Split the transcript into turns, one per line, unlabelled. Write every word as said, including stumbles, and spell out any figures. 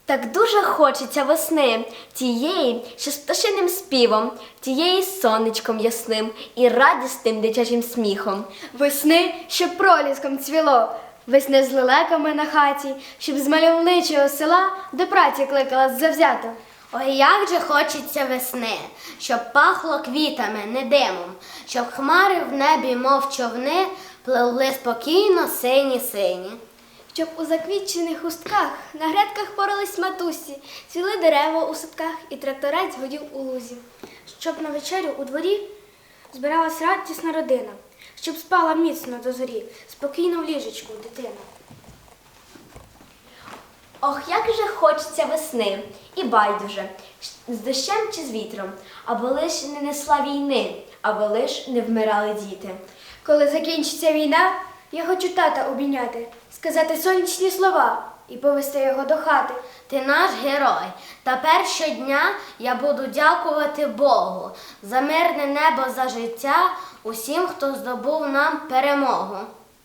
Так дуже хочеться весни, тієї, що з пташиним співом, тієї з сонечком ясним і радісним дитячим сміхом.
Весни, щоб проліском цвіло, весни з лелеками на хаті, щоб з мальовничого села до праці кликала завзято.
Ой, як же хочеться весни, щоб пахло квітами, не димом, щоб хмари в небі, мов човни, пливли спокійно сині-сині.
Щоб у заквітчених хустках на грядках порались матусі, цвіли дерева у садках і тракторець гудів у лузі. Щоб на вечерю у дворі збиралась радісна родина, щоб спала міцно до зорі, спокійно в ліжечку дитина.
Ох, як же хочеться весни, і байдуже, з дощем чи з вітром, аби лиш не несла війни, аби лиш не вмирали діти.
Коли закінчиться війна, я хочу тата обійняти, сказати сонячні слова і повести його до хати.
Ти наш герой. Тепер щодня я буду дякувати Богу за мирне небо, за життя усім, хто здобув нам перемогу.